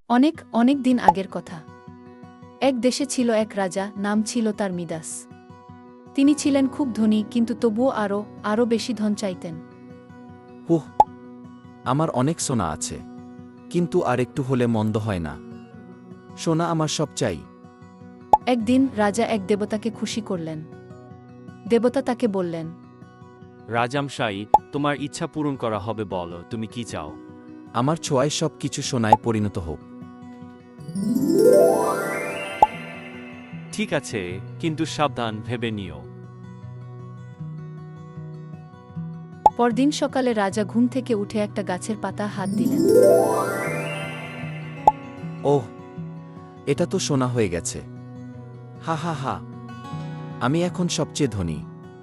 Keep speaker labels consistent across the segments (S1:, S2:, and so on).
S1: অনেক অনেক দিন আগের কথা। এক দেশে ছিল এক রাজা, নাম ছিল তার মিদাস। তিনি ছিলেন খুব ধনী, কিন্তু তবুও আরও বেশি ধন চাইতেন।
S2: হুহ, আমার অনেক সোনা আছে, কিন্তু আর একটু হলে মন্দ হয় না। সোনা আমার সব চাই।
S1: একদিন রাজা এক দেবতাকে খুশি করলেন। দেবতা তাকে বললেন,
S3: রাজামশাই, তোমার ইচ্ছা পূরণ করা হবে, বলো তুমি কি চাও।
S2: আমার ছোঁয়ায় সব কিছু সোনায় পরিণত হোক।
S3: ঠিক আছে, কিন্তু সাবধান, ভেবে নিও।
S1: পরদিন সকালে রাজা ঘুম থেকে উঠে একটা গাছের পাতা হাত দিলেন।
S2: ওহ, এটা তো সোনা হয়ে গেছে। হা হা হা, আমি এখন সবচেয়ে ধনী।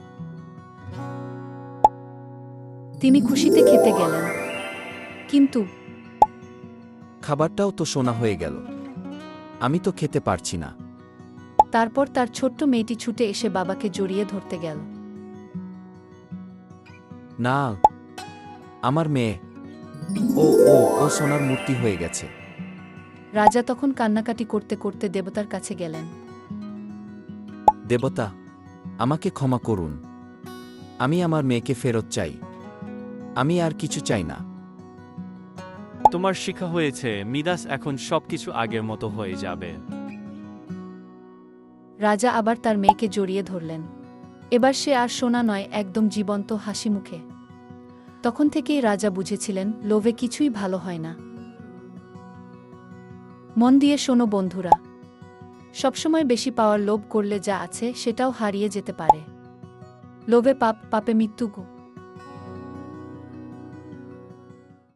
S1: তিনি খুশিতে খেতে গেলেন, কিন্তু
S2: খাবারটাও তো সোনা হয়ে গেল। আমি তো খেতে পারছি না।
S1: তারপর তার ছোট্ট মেয়েটি ছুটে এসে বাবাকে জড়িয়ে ধরতে গেল।
S2: না, আমার মেয়ে। ও ও ও সোনার মূর্তি হয়ে গেছে।
S1: রাজা তখন কান্নাকাটি করতে করতে দেবতার কাছে গেলেন।
S2: দেবতা, আমাকে ক্ষমা করুন। আমি আমার মেয়েকে ফেরত চাই। আমি আর কিছু চাই না।
S3: তোমার শিক্ষা হয়েছে, মিদাস এখন সবকিছু আগের মতো হয়ে যাবে।
S1: রাজা আবার তার মেয়েকে জড়িয়ে ধরলেন। এবার সে আর সোনা নয়, একদম জীবন্ত হাসি মুখে। তখন থেকেই রাজা বুঝেছিলেন, লোভে কিছুই ভালো হয় না। মন দিয়ে শোনো বন্ধুরা, সবসময় বেশি পাওয়ার লোভ করলে যা আছে সেটাও হারিয়ে যেতে পারে। লোভে পাপ, পাপে মৃত্যু।